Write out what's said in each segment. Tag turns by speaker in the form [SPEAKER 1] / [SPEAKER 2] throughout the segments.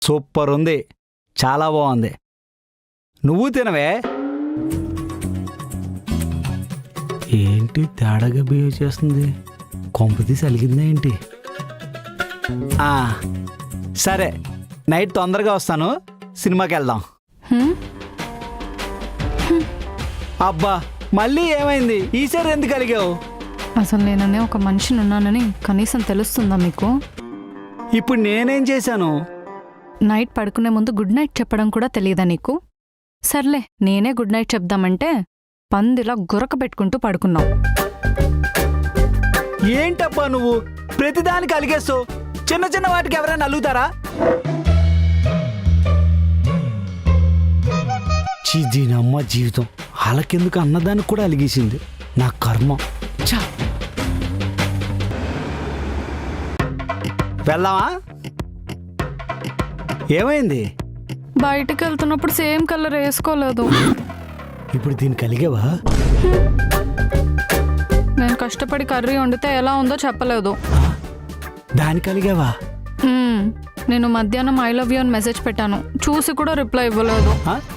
[SPEAKER 1] Super ఉంది, చాలా బాగుంది. నువ్వు తినవే. ఏంటి తేడాగా బిహేవ్ చేస్తుంది? కొంపతీసి అలిగిందా ఏంటి? సరే, నైట్ తొందరగా వస్తాను, సినిమాకి వెళ్దాం. అబ్బా, మళ్ళీ ఏమైంది? ఈసారి ఎందుకు అలిగావు?
[SPEAKER 2] అసలు నేననే ఒక మనిషిని ఉన్నానని కనీసం తెలుస్తుందా మీకు?
[SPEAKER 1] ఇప్పుడు నేనేం చేశాను?
[SPEAKER 2] నైట్ పడుకునే ముందు గుడ్ నైట్ చెప్పడం కూడా తెలియదా నీకు? సర్లే, నేనే గుడ్ నైట్ చెప్దామంటే పందిలా గురక పెట్టుకుంటూ పడుకున్నావు.
[SPEAKER 1] ఏంటబ్బా నువ్వు ప్రతిదానికి అలిగేస్తావు? చిన్న చిన్న వాటికి ఎవరైనా అలుగుతారా? దీనమ్మ జీవితం, వాళ్ళకెందుకు అన్నదానికి కూడా అలిగేసింది. నా కర్మ. వెళ్దామా? ఏమైంది?
[SPEAKER 2] బయటికి వెళ్తున్నప్పుడు సేమ్ కలర్ వేసుకోలేదు.
[SPEAKER 1] ఇప్పుడు దీనికి అలిగేవా?
[SPEAKER 2] నేను కష్టపడి కర్రీ వండితే ఎలా ఉందో చెప్పలేదు.
[SPEAKER 1] దానికి అలిగావా?
[SPEAKER 2] నేను మధ్యాహ్నం ఐ లవ్ యూ అని మెసేజ్ పెట్టాను, చూసి కూడా రిప్లై ఇవ్వలేదు.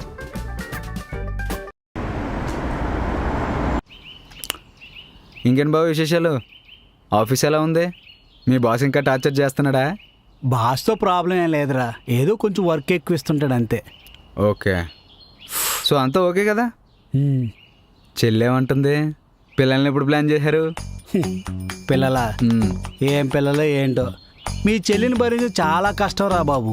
[SPEAKER 3] ఇంకేం బాబు విశేషాలు? ఆఫీస్ ఎలా ఉంది? మీ బాస్ ఇంకా టార్చర్ చేస్తున్నాడా?
[SPEAKER 1] బాస్తో ప్రాబ్లం ఏం లేదురా, ఏదో కొంచెం వర్క్ ఎక్కువ ఇస్తుంటాడు అంతే.
[SPEAKER 3] ఓకే, సో అంతా ఓకే కదా? చెల్లేమంటుంది? పిల్లల్ని ఎప్పుడు ప్లాన్ చేశారు?
[SPEAKER 1] పిల్లలా? ఏం పిల్లలు ఏంటో. మీ చెల్లిని భరించి చాలా కష్టం రా బాబు.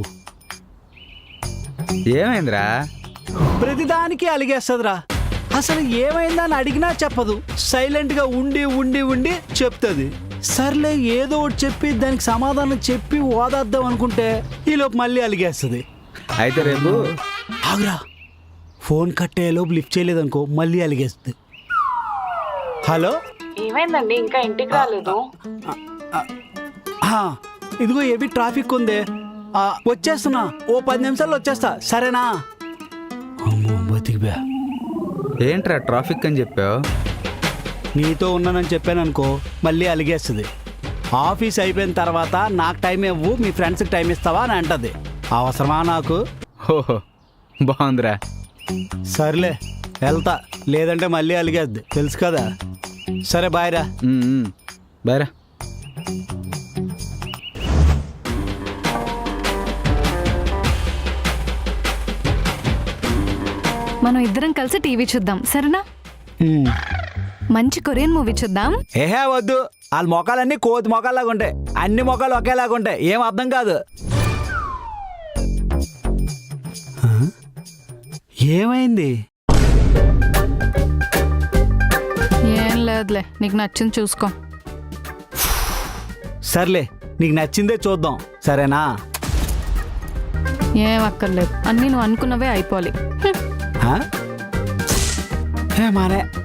[SPEAKER 3] ఏమైందిరా?
[SPEAKER 1] ప్రతిదానికి అలిగేస్తుందిరా. అసలు ఏమైందని అడిగినా చెప్పదు, సైలెంట్గా ఉండి ఉండి ఉండి చెప్తుంది. సర్లే ఏదో ఒకటి చెప్పి దానికి సమాధానం చెప్పి ఓదాద్దాం అనుకుంటే ఈలోపు మళ్ళీ అలిగేస్తుంది.
[SPEAKER 3] అయితే రేపు
[SPEAKER 1] ఆగురా, ఫోన్ కట్టేలోపు లిఫ్ట్ చేయలేదనుకో మళ్ళీ అలిగేస్తుంది. హలో,
[SPEAKER 4] ఏమైందండి? ఇంకా ఇంటికి రాలేదు?
[SPEAKER 1] ఇదిగో ఏవి ట్రాఫిక్ ఉంది, వచ్చేస్తున్నా, ఓ 10 నిమిషాల్లో వచ్చేస్తా, సరేనా? అమ్మో బతికిపోయా.
[SPEAKER 3] ఏంట్రా ట్రాఫిక్ అని చెప్పావు?
[SPEAKER 1] నీతో ఉన్నానని చెప్పాను అనుకో మళ్ళీ అలిగేస్తుంది. ఆఫీస్ అయిపోయిన తర్వాత నాకు టైం ఇవ్వు, మీ ఫ్రెండ్స్కి టైం ఇస్తావా అని అంటది. అవసరమా నాకు?
[SPEAKER 3] ఓహో, బాగుందిరా.
[SPEAKER 1] సర్లే వెళ్తా, లేదంటే మళ్ళీ అలిగేద్ది, తెలుసు కదా. సరే బాయ్ రా.
[SPEAKER 3] బాయ్ రా.
[SPEAKER 2] మనం ఇద్దరం కలిసి టీవీ చూద్దాం, సరేనా? మంచి కొరియన్ మూవీ చూద్దాం.
[SPEAKER 1] ఏహే వద్దు, వాళ్ళ మొఖాలన్నీ కోతి మొఖాల్లాగా ఉంటాయి, అన్ని మొఖాలు ఒకేలాగా ఉంటాయి, ఏం అర్థం కాదు. ఏమైంది?
[SPEAKER 2] ఏం లేదులే, నీకు నచ్చింది చూసుకో.
[SPEAKER 1] సర్లే, నీకు నచ్చిందే చూద్దాం, సరేనా?
[SPEAKER 2] ఏం అక్కర్లేదు, అన్నీ నువ్వు అనుకున్నవే అయిపోవాలి.
[SPEAKER 1] మానే